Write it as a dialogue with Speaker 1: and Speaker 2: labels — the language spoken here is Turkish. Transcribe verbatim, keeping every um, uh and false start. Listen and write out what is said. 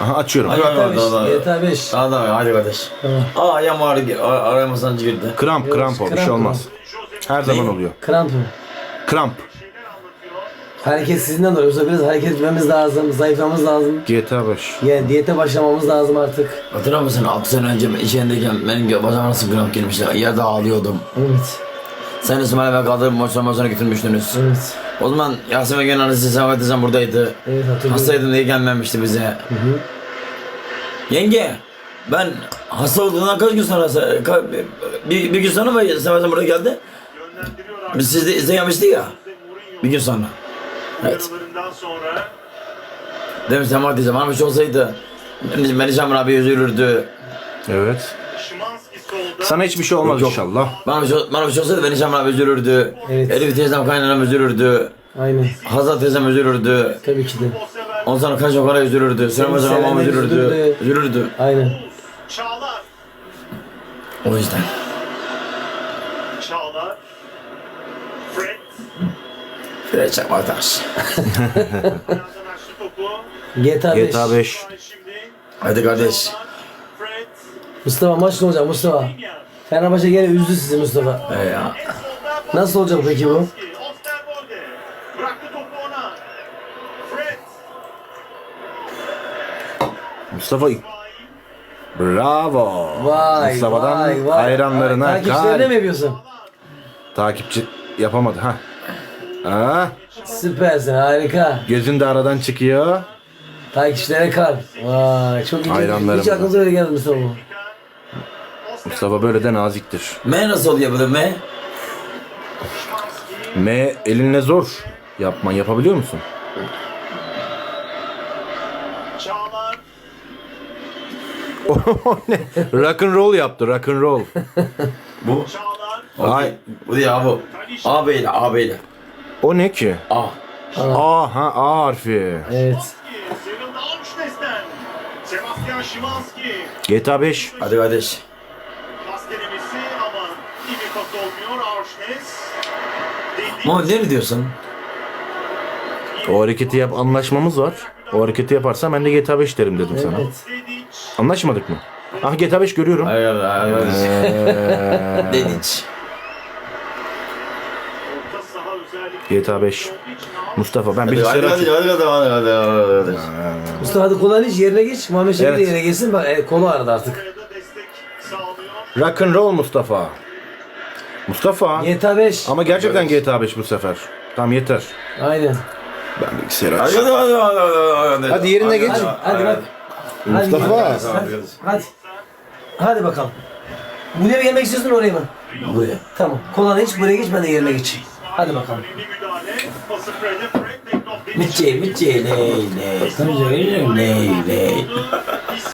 Speaker 1: Aha açıyorum.
Speaker 2: Hadi,
Speaker 3: G T A
Speaker 2: hadi, hadi, hadi.
Speaker 3: beş. G T A beş.
Speaker 2: Hadi hadi kardeş.
Speaker 3: Tamam.
Speaker 2: Aa ayağım ağrı, araya sancı girdi.
Speaker 1: Kramp
Speaker 3: Yok,
Speaker 1: kramp o bir
Speaker 3: kramp
Speaker 1: şey
Speaker 3: mı?
Speaker 1: olmaz. Her zaman oluyor.
Speaker 3: Kramp mı?
Speaker 1: Kramp.
Speaker 3: Hareketsizliğinden dolayı. Yoksa biraz hareket etmemiz lazım. Zayıflamamız lazım.
Speaker 1: G T A beş.
Speaker 3: Yani diyete başlamamız lazım artık.
Speaker 2: Hatırlar mısın altı sene önce içindeyken benim bacağıma nasıl kramp girmişti. Yerde ağlıyordum.
Speaker 3: Evet.
Speaker 2: Sen İsmail'e ben kaldırıp moçtan moçtan götürmüştünüz.
Speaker 3: Evet.
Speaker 2: O zaman Yasemin Gönül annesi Sevat Teyzem buradaydı.
Speaker 3: Evet hatırlıyorum.
Speaker 2: Hastaydım diye gelmemişti bize.
Speaker 3: Hı hı.
Speaker 2: Yenge, ben hasta olduğundan kaç gün sonra, ka- bir, bir gün sonra mı Sevat'ın buraya geldi? Biz sizde izleyemiştik ya. Bir gün sonra. Evet. Demiş Sevat Teyzem, bana bir şey olsaydı Melihcan abi üzülürdü.
Speaker 1: Evet. Sana hiçbir şey olmaz
Speaker 2: Yok.
Speaker 1: inşallah.
Speaker 2: Bana bir şey, bana bir şey olsaydı Melihcan abi üzülürdü.
Speaker 3: Evet.
Speaker 2: Elif teyzem kaynanam üzülürdü.
Speaker 3: Aynen.
Speaker 2: Hazal teyzem üzülürdü.
Speaker 3: Tabii ki de.
Speaker 2: Ondan sonra kaç okula üzülürdü. Senem hocam
Speaker 3: sevenler
Speaker 2: babam üzülürdü.
Speaker 3: üzülürdü.
Speaker 2: Üzülürdü.
Speaker 3: Aynen.
Speaker 4: Çağlar.
Speaker 2: O yüzden.
Speaker 4: Çağlar. Fred.
Speaker 2: Fire Çakmaktaş.
Speaker 4: Ayağından açtı topu.
Speaker 3: G T A beş.
Speaker 1: G T A beş.
Speaker 4: Şimdi.
Speaker 2: Hadi kardeş.
Speaker 4: Fred.
Speaker 3: Mustafa maç ne olacak Mustafa? Fenerbahçe gene üzdü sizi Mustafa.
Speaker 2: He ya.
Speaker 3: Nasıl olacak peki bu?
Speaker 4: Osterwolde. Bıraktı topu ona. Fred.
Speaker 1: Mustafa bravo.
Speaker 3: Vay
Speaker 1: Mustafa'dan
Speaker 3: vay vay.
Speaker 1: hayranlarına
Speaker 3: Takipçilerine
Speaker 1: kalp.
Speaker 3: mi yapıyorsun?
Speaker 1: Takipçi yapamadı ha. Aa,
Speaker 3: Süpersin harika.
Speaker 1: gözün de aradan çıkıyor.
Speaker 3: Takipçilere kal. Vay çok iyi.
Speaker 1: Hayranlarım
Speaker 3: Hiç
Speaker 1: da.
Speaker 3: aklınıza öyle geldi Mustafa bu.
Speaker 1: Mustafa böyle de naziktir.
Speaker 2: M nasıl oluyor böyle M?
Speaker 1: M elinle zor. Yapman yapabiliyor musun?
Speaker 4: Çağlar.
Speaker 1: O ne? Rock and roll yaptı rock and roll.
Speaker 2: Bu.
Speaker 4: Çağlar.
Speaker 1: Ay.
Speaker 2: Ay. Bu değil abi bu. A beyle A beyle.
Speaker 1: O ne ki?
Speaker 2: A.
Speaker 1: A ha A harfi.
Speaker 3: Evet.
Speaker 4: Sıyrıldı Augsnes'ten. Sebastian Szymanski.
Speaker 1: G T A beş.
Speaker 2: Hadi kardeş.
Speaker 4: Pas denemesi ama iyi bir pas olmuyor. Augsnes. Dedi.
Speaker 2: Ama ne diyorsun?
Speaker 1: O hareketi yap anlaşmamız var. O hareketi yaparsan ben de G T A beş derim dedim sana.
Speaker 3: Evet.
Speaker 4: Dedic.
Speaker 1: Anlaşmadık mı? Ah G T A beş görüyorum.
Speaker 2: Hayır hayır hayır.
Speaker 1: Ee,
Speaker 2: Dediç.
Speaker 4: Orta saha özellikle.
Speaker 1: G T A beş. Mustafa ben
Speaker 2: Hadi
Speaker 1: bilgisayarı
Speaker 2: hadi hadi
Speaker 1: açıyorum.
Speaker 2: hadi hadi hadi hadi hadi.
Speaker 3: Mustafa hadi kolay hiç yerine geç. Muhammed Şerif de
Speaker 1: Evet.
Speaker 3: yerine geçsin. Bak e, kolu aradı artık.
Speaker 4: Buraya da destek sağlıyor.
Speaker 1: Rock and roll Mustafa. Mustafa.
Speaker 3: G T A beş.
Speaker 1: Ama gerçekten G T A beş bu sefer. Tamam yeter.
Speaker 3: Aynen.
Speaker 1: Ben bilgisayarı
Speaker 2: Hadi
Speaker 1: açıyorum.
Speaker 2: hadi hadi hadi hadi.
Speaker 1: Hadi yerine geç.
Speaker 3: Hadi hadi hadi.
Speaker 1: Mustafa.
Speaker 3: Hadi, hadi, hadi. Hadi bakalım. Buraya mı gelmek istiyorsun oraya mı?
Speaker 2: Buraya.
Speaker 3: Tamam. Kolanı hiç buraya geç ben de yerine geçeyim. Hadi bakalım.
Speaker 4: Önemli müdahale. Pası Fred'e. Fred tek top geçti.
Speaker 2: Mitçe mitçe ley ley. Tanıcı ley ley.